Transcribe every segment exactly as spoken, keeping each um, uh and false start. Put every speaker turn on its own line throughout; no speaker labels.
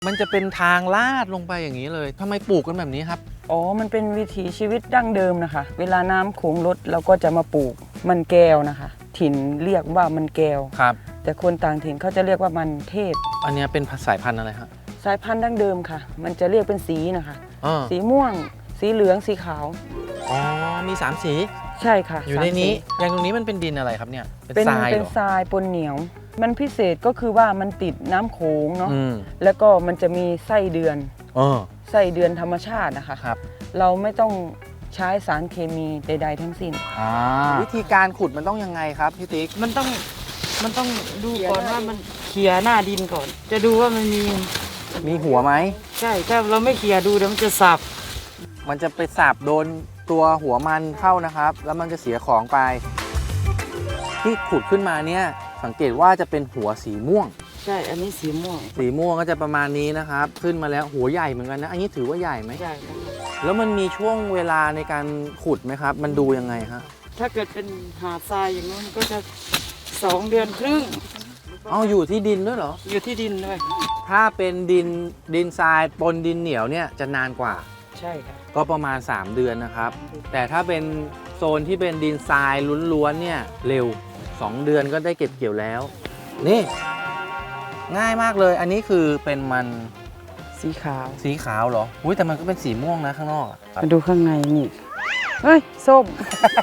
มันจะเป็นทางลาดลงไปอย่างนี้เลยทำไมปลูกกันแบบนี้ครับ
อ๋อมันเป็นวิถีชีวิตดั้งเดิมนะคะเวลาน้ำโขงลดเราก็จะมาปลูกมันแก้วนะคะถิ่นเรียกว่ามันแก้ว
ครับ
แต่คนต่างถิ่นเขาจะเรียกว่ามันเทศ
อันนี้เป็นสายพันธุ์อะไรฮะ
สายพันธุ์ดั้งเดิมค่ะมันจะเรียกเป็นสีนะคะสีม่วงสีเหลืองสีขาว
อ๋อมีสามสี
ใช่ค่ะ
อยู่ในนี้อย่างตรงนี้มันเป็นดินอะไรครับเนี่ย
เป็นทรายเป็นทรายปนเหนียวมันพิเศษก็คือว่ามันติดน้ำโขงเนาะแล้วก็มันจะมีไส้เดือนไส้เดือนธรรมชาตินะคะ
ครับ
เราไม่ต้องใช้สารเคมีใดๆทั้งสิ้น
วิธีการขุดมันต้องยังไงครับพี่ติ๊ก
มันต้องมันต้องดูก่อนว่ามันเขี่ยหน้าดินก่อนจะดูว่ามันมี
มีหัวไหม
ใช่ถ้าเราไม่เขี่ยดูเดี๋ยวมันจะสับ
มันจะไปสับโดนตัวหัวมันเข้านะครับแล้วมันจะเสียของไปที่ขุดขึ้นมาเนี่ยสังเกตว่าจะเป็นหัวสีม่วง
ใช่อันนี้สีม่วง
สีม่วงก็จะประมาณนี้นะครับขึ้นมาแล้วหัวใหญ่เหมือนกันนะอันนี้ถือว่าใหญ่ไหม
ใหญ่
แล้วมันมีช่วงเวลาในการขุดไหมครับมันดูยังไงฮะ
ถ้าเกิดเป็นหาดทรายอย่างนู้นก็จะสองเดือนครึ่ง
เอาอยู่ที่ดินด้วยเหรอ
อยู่ที่ดินด้วย
ถ้าเป็นดินดินทรายปนดินเหนียวเนี่ยจะนานกว่า
ใช่ครับ
ก็ประมาณสามเดือนนะครับแต่ถ้าเป็นโซนที่เป็นดินทรายล้วนๆเนี่ยเร็วสองเดือนก็ได้เก็บเกี่ยวแล้วนี่ง่ายมากเลยอันนี้คือเป็นมัน
สีขาว
สีขาวเหรออุ้ยแต่มันก็เป็นสีม่วงนะข้างนอก
มาดูข้างในนี่เฮ้ยส้ม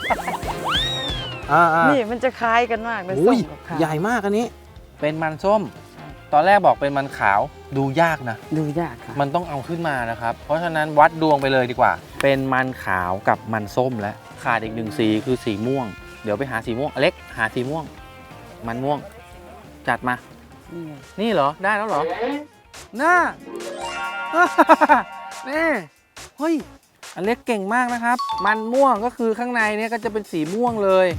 นี่มันจะคล้ายกันมากเลยส้มกับขาว
ใหญ่มากอันนี้เป็นมันส้มตอนแรกบอกเป็นมันขาวดูยากนะ
ดูยากค่ะ
มันต้องเอาขึ้นมานะครับเพราะฉะนั้นวัดดวงไปเลยดีกว่าเป็นมันขาวกับมันส้มและขาดอีกหนึ่งสีคือสีม่วงเดี๋ยวไปหาสีม่วงอเล็กหาสีม่วงมันม่วงจัดมานี่เหรอได้แล้วเหรอน่านี่เฮ้ยอเล็กเก่งมากนะครับมันม่วงก็คือข้างในเนี่ยก็จะเป็นสีม่วงเลย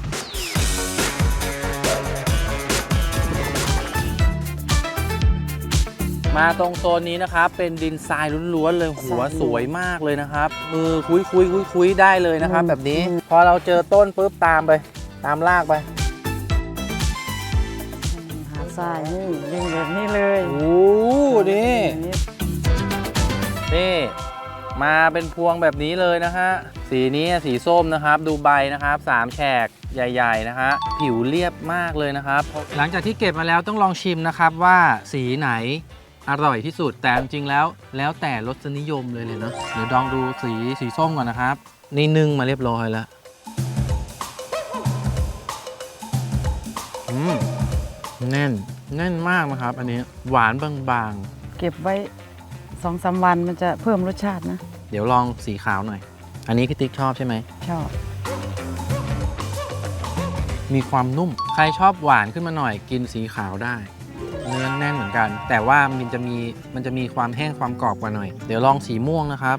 มาตรงโซนนี้นะครับเป็นดินทรายล้วนๆเลยหัวสวยมากเลยนะครับมือคุยคุยคุยคุยได้เลยนะครับแบบนี้พอเราเจอต้นปุ๊บตามไปตามลากไป
หาทรายนี่ดึงแบบนี้เลย
โอ้นี่นี่มาเป็นพวงแบบนี้เลยนะฮะสีนี้สีส้มนะครับดูใบนะครับสามแฉกใหญ่ๆนะฮะผิวเรียบมากเลยนะครับหลังจากที่เก็บมาแล้วต้องลองชิมนะครับว่าสีไหนอร่อยที่สุดแต่จริงๆแล้วแล้วแต่รสนิยมเลยเลยเนาะเดี๋ยวลองดูสีสีส้มก่อนนะครับนี่นึ่งมาเรียบร้อยแล้วอืมแน่นแน่นมากนะครับอันนี้หวานบาง
ๆเก็บไว้สองสามวันมันจะเพิ่มรสชาตินะ
เดี๋ยวลองสีขาวหน่อยอันนี้พี่ติ๊กชอบใช่ไหม
ชอบ
มีความนุ่มใครชอบหวานขึ้นมาหน่อยกินสีขาวได้เนื้อแน่นเหมือนกันแต่ว่ามันจะมีมันจะมีความแห้งความกรอบกว่าหน่อยเดี๋ยวลองสีม่วงนะครับ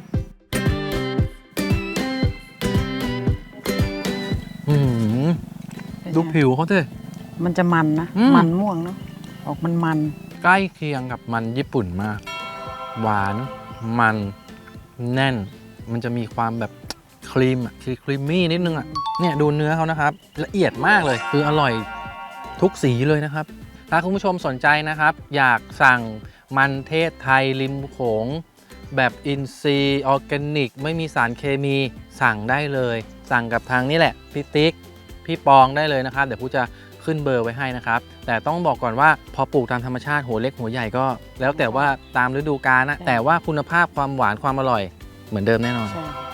อืมดูผิวเขาเถอะ
มันจะมันนะมันม่วงเนาะออกมันมัน
ใกล้เคียงกับมันญี่ปุ่นมากหวานมันแน่นมันจะมีความแบบครีมอ่ะคือครีมมี่นิดนึงอ่ะเนี่ยดูเนื้อเขานะครับละเอียดมากเลยคืออร่อยทุกสีเลยนะครับถ้าคุณผู้ชมสนใจนะครับอยากสั่งมันเทศไทยริมโขงแบบอินทรีย์ออร์แกนิกไม่มีสารเคมีสั่งได้เลยสั่งกับทางนี้แหละพี่ติ๊กพี่ปองได้เลยนะครับเดี๋ยวผู้จะขึ้นเบอร์ไว้ให้นะครับแต่ต้องบอกก่อนว่าพอปลูกตามธรรมชาติหัวเล็กหัวใหญ่ก็แล้วแต่ว่าตามฤดูกาลนะแต่ว่าคุณภาพความหวานความอร่อยเหมือนเดิมแน่นอน